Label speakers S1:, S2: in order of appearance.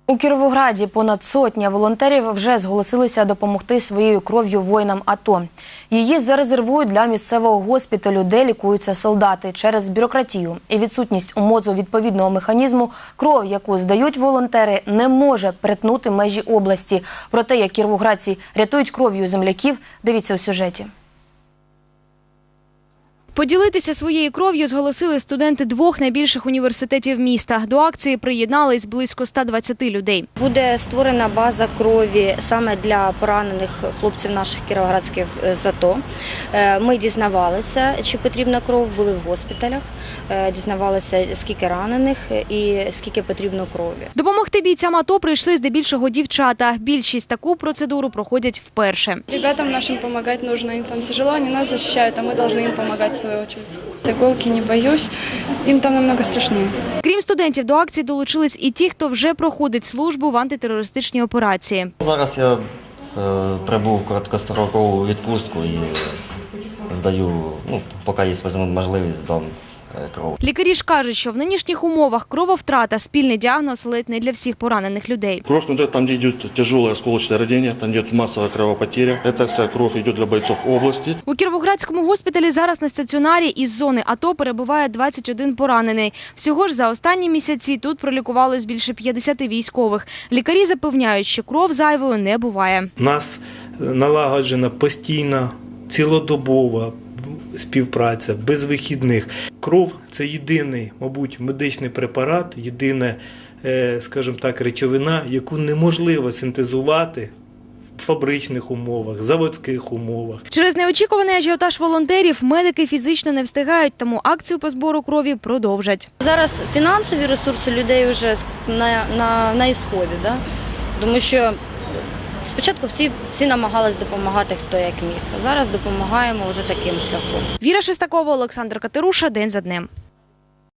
S1: У Кіровограді понад сотня волонтерів вже зголосилися допомогти своєю кров'ю воїнам АТО. Її зарезервують для місцевого госпіталю, де лікуються солдати. Через бюрократію і відсутність у МОЗу відповідного механізму кров, яку здають волонтери, не може перетнути межі області. Про те, як кіровоградці рятують кров'ю земляків, дивіться у сюжеті.
S2: Поділитися своєю кров'ю зголосили студенти двох найбільших університетів міста. До акції приєднались близько 120 людей.
S3: Буде створена база крові саме для поранених хлопців наших кіровоградських з АТО. Ми дізнавалися, чи потрібна кров, були в госпіталях, дізнавалися, скільки ранених і скільки потрібно крові.
S2: Допомогти бійцям АТО прийшли здебільшого дівчата. Більшість таку процедуру проходять вперше.
S4: Ребятам нашим помогать нужно, им там тяжело, они нас защищают, а мы должны им помогать в свою очередь. Иголки не боюсь, им там намного страшнее.
S2: Крім студентів, до акції долучились і ті, хто вже проходить службу в антитерористичній операції.
S5: Зараз я прибув в короткострокову відпустку і здаю, поки є можливість, здам кров.
S2: Лікарі ж кажуть, що в нинішніх умовах крововтрата – спільний діагноз ледь не для всіх поранених людей.
S6: Кровь внутри, там, где идет тяжелое осколочное ранение, там идет массовая кровопотеря. Эта вся кровь идет для бойцов области.
S2: У Кіровоградському госпіталі зараз на стаціонарі із зони АТО перебуває 21 поранений. Всього ж за останні місяці тут пролікувалось більше 50 військових. Лікарі запевняють, що кров зайвою не буває.
S7: У нас налагоджена постійна, цілодобова співпраця, без вихідних. Кров – це єдиний, мабуть, медичний препарат, єдина, скажімо так, речовина, яку неможливо синтезувати в фабричних умовах, заводських умовах.
S2: Через неочікуваний ажіотаж волонтерів медики фізично не встигають, тому акцію по збору крові продовжать.
S3: Зараз фінансові ресурси людей вже на ісході, да? Тому що спочатку всі намагались допомагати, хто як міг. Зараз допомагаємо вже таким шляхом.
S2: Віра Шестакова, Олександр Катеруша. День за днем.